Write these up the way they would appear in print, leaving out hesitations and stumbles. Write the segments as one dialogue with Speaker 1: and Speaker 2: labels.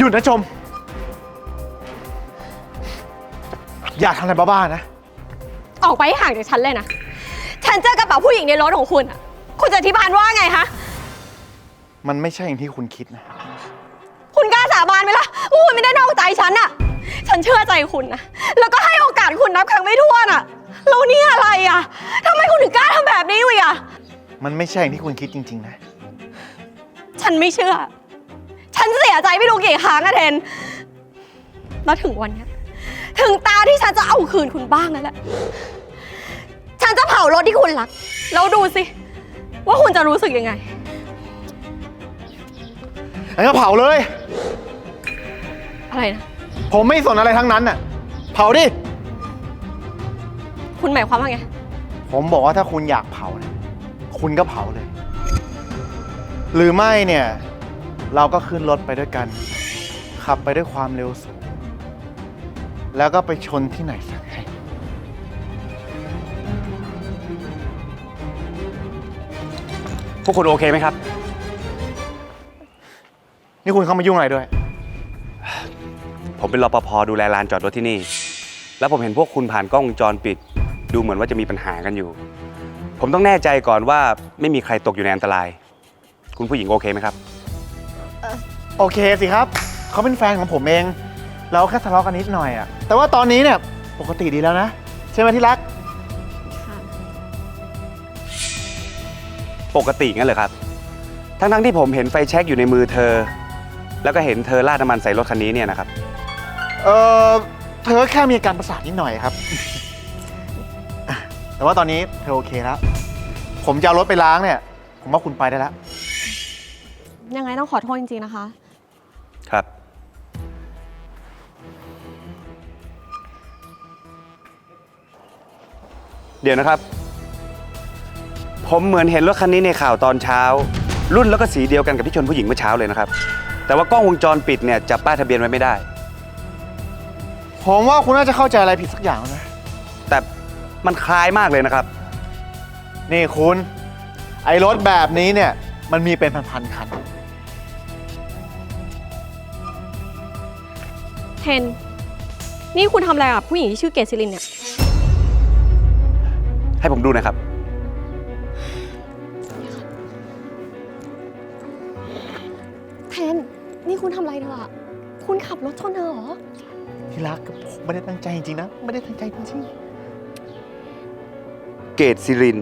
Speaker 1: ยุดนะชม อย่าทำอะไรบ้าๆนะ
Speaker 2: ออกไปให้ห่างจากฉันเลยนะ ฉันเจอกระเป๋าผู้หญิงในรถของคุณอะคุณจะอธิบายว่าไงคะ
Speaker 1: มันไม่ใช่อย่างที่คุณคิดนะ
Speaker 2: คุณกล้าสาบานไหมล่ะว่าคุณไม่ได้นอกใจฉันอะฉันเชื่อใจคุณนะ แล้วก็ให้โอกาสคุณนับครั้งไม่ถ้วนอะแล้วนี่อะไรอะทำไมคุณถึงกล้าทำแบบนี้อยู่อะ
Speaker 1: มันไม่ใช่อย่างที่คุณคิดจริงๆนะ
Speaker 2: ฉันไม่เชื่อ ฉันเสียใจไม่รู้กี่ครั้งอะเทน แล้วถึงวันเนี้ยถึงตาที่ฉันจะเอาคืนคุณบ้างแล้วแหละ ฉันจะเผารถที่คุณรัก แล้วดูสิ ว่าคุณจะรู้สึกยังไง
Speaker 1: งั้นก็เผาเลย
Speaker 2: อะไรนะ
Speaker 1: ผมไม่สนอะไรทั้งนั้นน่ะ เผาดิ
Speaker 2: คุณหมายความว่าไง
Speaker 1: ผมบอกว่าถ้าคุณอยากเผาเนี่ยคุณก็เผาเลย หรือไม่เนี่ย เราก็ขึ้นรถไปด้วยกัน ขับไปด้วยความเร็วสูง แล้วก็ไปชนที่ไหนสักแห่ง
Speaker 3: พวกคุณโอเคไหมครับ
Speaker 1: นี่คุณเข้ามายุ่งอะไรด้วย
Speaker 3: ผมเป็นรปภดูแลลานจอดรถที่นี่ แล้วผมเห็นพวกคุณผ่านกล้องวงจรปิด ดูเหมือนว่าจะมีปัญหากันอยู่ ผมต้องแน่ใจก่อนว่าไม่มีใครตกอยู่ในอันตราย คุณผู้หญิงโอเคไหมครับ
Speaker 1: โอเคสิครับ เขาเป็นแฟนของผมเอง เราแค่ทะเลาะกันนิดหน่อยอะแต่ว่าตอนนี้เนี่ยปกติดีแล้วนะ ใช่ไหมที่รัก
Speaker 3: ปกติงั้นเหรอครับ ทั้งที่ผมเห็นไฟแช็กอยู่ในมือเธอ แล้วก็เห็นเธอราดน้ำมันใส่รถคันนี้เนี่ยนะครับ
Speaker 1: เออเธอแค่มีอาการประสาทนิดหน่อยครับ แต่ว่าตอนนี้เธอโอเคแล้ว ผมจะเอารถไปล้างเนี่ย ผมว่าคุณไปได้แล้ว
Speaker 2: ยังไงต้องขอโทษจริงๆนะคะ
Speaker 3: ครับ เดี๋ยวนะครับ ผมเหมือนเห็นรถคันนี้ในข่าวตอนเช้า รุ่นแล้วก็สีเดียวกันกับที่ชนผู้หญิงเมื่อเช้าเลยนะครับ แต่ว่ากล้องวงจรปิดเนี่ยจับป้ายทะเบียนไว้ไม่ได้
Speaker 1: ผมว่าคุณน่าจะเข้าใจอะไรผิดสักอย่างนะ
Speaker 3: แต่มันคล้ายมากเลยนะครับ
Speaker 1: นี่คุณ ไอ้รถแบบนี้เนี่ย มันมีเป็นพันๆคัน
Speaker 2: เทน นี่คุณทำอะไรกับผู้หญิงที่ชื่อเกศศิรินเนี่ย
Speaker 3: ให้ผมดูนะครับ
Speaker 2: เทน นี่คุณทำอะไรเธออะคุณขับรถชนเธอเหรอ
Speaker 1: ที่รักผมไม่ได้ตั้งใจจริงๆนะ ไม่ได้ตั้งใจจริง
Speaker 3: เกตซิริน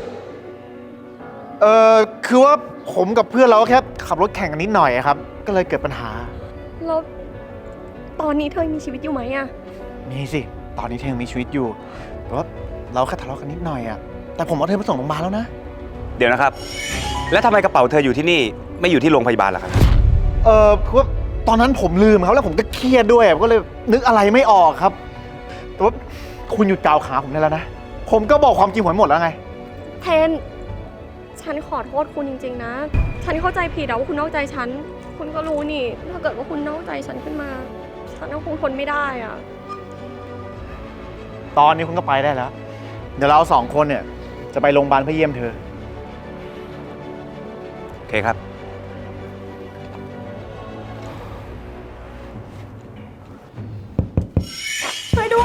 Speaker 1: ๆคือว่าผมกับเพื่อนเราแค่ขับรถแข่งกันนิดหน่อยอะครับ ก็เลยเกิดปัญหา
Speaker 2: แล้วตอนนี้เธอยังมีชีวิตอยู่ไหมอะ
Speaker 1: มีสิ ตอนนี้เธอยังมีชีวิตอยู่ แต่ว่าเราแค่ทะเลาะกันนิดหน่อยอะแต่ผมเอาเธอไปส่งโรงพยาบาลแล้วนะ
Speaker 3: เดี๋ยวนะครับ แล้วทำไมกระเป๋าเธออยู่ที่นี่ไม่อยู่ที่โรงพยาบาลล่ะครับ
Speaker 1: คือว่าตอนนั้นผมลืมครับแล้วผมก็เครียดด้วยผมก็เลยนึกอะไรไม่ออกครับ แต่ว่าคุณหยุดกล่าวขาผมได้แล้วนะ ผมก็บอกความจริงผมหมดแล้วไง
Speaker 2: เทน ฉันขอโทษคุณจริงๆนะ ฉันเข้าใจผิดอะว่าคุณนอกใจฉัน คุณก็รู้นี่ ถ้าเกิดว่าคุณนอกใจฉันขึ้นมา ฉันก็คงทนไม่ได้อะ
Speaker 1: ตอนนี้คุณก็ไปได้แล้ว เดี๋ยวเราสองคนเนี่ยจะไปโรงพยาบาลเพื่อเยี่ยมเธอ
Speaker 3: โอเคครับ
Speaker 4: ช่วยด้วย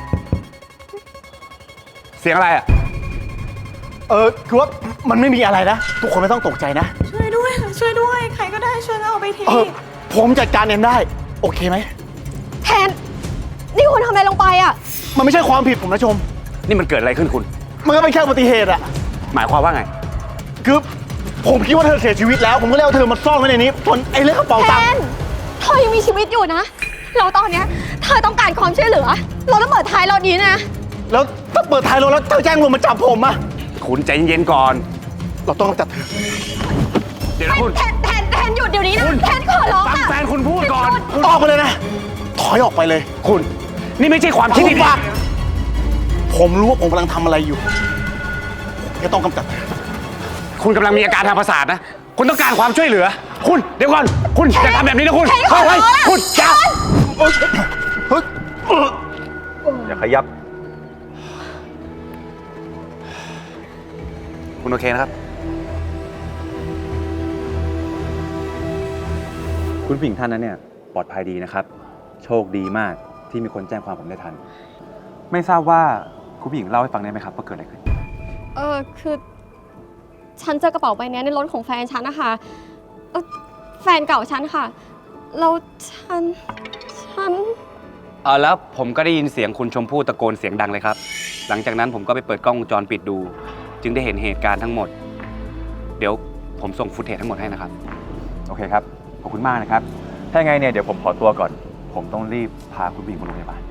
Speaker 3: เสียงอะไรอ่ะ
Speaker 1: คือว่ามันไม่มีอะไรนะ ทุกคนไม่ต้องตกใจนะ
Speaker 4: ช่วยด้วย ช่วยด้วย ใครก็ได้ช่วยเอาไปที
Speaker 1: ผมจัดการเองได้ โอเคไหม
Speaker 2: แทน นี่คุณทำอะไรลงไปอะ
Speaker 1: มันไม่ใช่ความผิดผมนะชม
Speaker 3: นี่มันเกิดอะไรขึ้นคุณ
Speaker 1: มันก็เป็นแค่อุบัติเหตุอะ
Speaker 3: หมายความว่าไง
Speaker 1: คือผมคิดว่าเธอเสียชีวิตแล้ว ผมก็เลยเอาเธอมาซ่อนไว้ในนี้ส่วนไอ้เรื่องกระเป๋า
Speaker 2: แท
Speaker 1: ตังค์
Speaker 2: น เธอยังมีชีวิตอยู่นะ เราตอนเนี้ยเธอต้องการความช่วยเหลือ เราต้องเปิดท้ายรถนี้นะ
Speaker 1: แล้วถ้าเปิดท้ายรถแล้วเธอแจ้งตำรวจมาจับผมอะ
Speaker 3: คุณใจเย็นๆก่อน
Speaker 1: เราต้องกำจัดเธอ
Speaker 3: เดี๋ยวนะคุณ
Speaker 2: แทนหยุดเดี๋ยวนี้นะ
Speaker 3: คุณ
Speaker 2: แทนขอร้อง
Speaker 3: ฟัง
Speaker 2: อะ
Speaker 3: แฟนคุณพูดก่อน
Speaker 1: ออกไปเลยนะ ถอยออกไปเลย
Speaker 3: คุณ นี่ไม่ใช่ความคิดที่ดี
Speaker 1: ปากผมรู้ว่าผมกำลังทำอะไรอยู่ผมจะต้องกำจัดเธอ
Speaker 3: คุณกำลังมีอาการทางประสาทนะ คุณต้องการความช่วยเหลือ คุณ เดี๋ยวก่อน คุณอย่าทำแบบนี้นะคุณ
Speaker 2: แทนขอร้อง
Speaker 3: คุณอย่า
Speaker 1: เฮ้ย
Speaker 3: อย่าขยับ คุณโอเคนะครับ
Speaker 5: คุณผู้หญิงท่านนั้นเนี่ย
Speaker 3: ปลอดภัยดีนะครับ โชคดีมากที่มีคนแจ้งความผมได้ทัน ไม่ทราบว่าคุณผู้หญิงเล่าให้ฟังได้ไหมครับว่าเกิดอะไรขึ้น
Speaker 2: คือ ฉันเจอกระเป๋าใบนี้ในรถของแฟนฉันนะคะแฟนเก่าฉันค่ะ แล้วฉัน
Speaker 3: แล้วผมก็ได้ยินเสียงคุณชมพู่ตะโกนเสียงดังเลยครับ หลังจากนั้นผมก็ไปเปิดกล้องวงจรปิดดู จึงได้เห็นเหตุการณ์ทั้งหมด เดี๋ยวผมส่งฟุตเทจทั้งหมดให้นะครับ โอเคครับ ขอบคุณมากนะครับ ถ้าไงเนี่ยเดี๋ยวผมขอตัวก่อน ผมต้องรีบพาคุณผู้หญิงมาโรงพยาบาล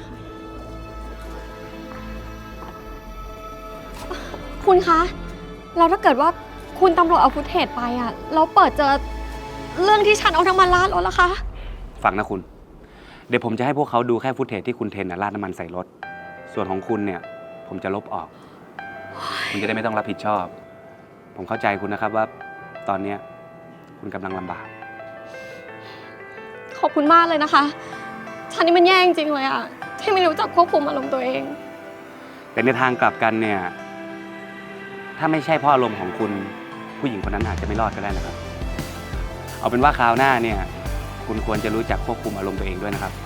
Speaker 2: คุณคะ แล้วถ้าเกิดว่าคุณตำรวจเอาฟุตเทจไปอ่ะแล้วเปิดเจอเรื่องที่ฉันเอาน้ำมันราดรถล่ะคะ
Speaker 3: ฟังนะคุณ เดี๋ยวผมจะให้พวกเขาดูแค่ฟุตเทจที่คุณเทนราดน้ำมันใส่รถ ส่วนของคุณเนี่ย ผมจะลบออก คุณจะได้ไม่ต้องรับผิดชอบ ผมเข้าใจคุณนะครับว่าตอนเนี้ยคุณกำลังลำบาก
Speaker 2: ขอบคุณมากเลยนะคะ ฉันนี่มันแย่จริงๆเลยอ่ะ ที่ไม่รู้จักควบคุมอารมณ์ตัวเอง
Speaker 3: แต่ในทางกลับกันเนี่ย ถ้าไม่ใช่เพราะอารมณ์ของคุณผู้หญิงคนนั้นอาจจะไม่รอดก็ได้นะครับ เอาเป็นว่าคราวหน้าเนี่ย คุณควรจะรู้จักควบคุมอารมณ์ตัวเองด้วยนะครับ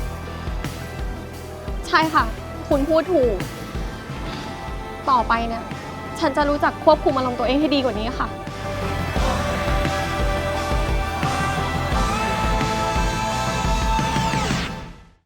Speaker 2: ใช่ค่ะ คุณพูดถูก ต่อไปเนี่ย ฉันจะรู้จักควบคุมอารมณ์ตัวเองให้ดีกว่านี้ค่ะ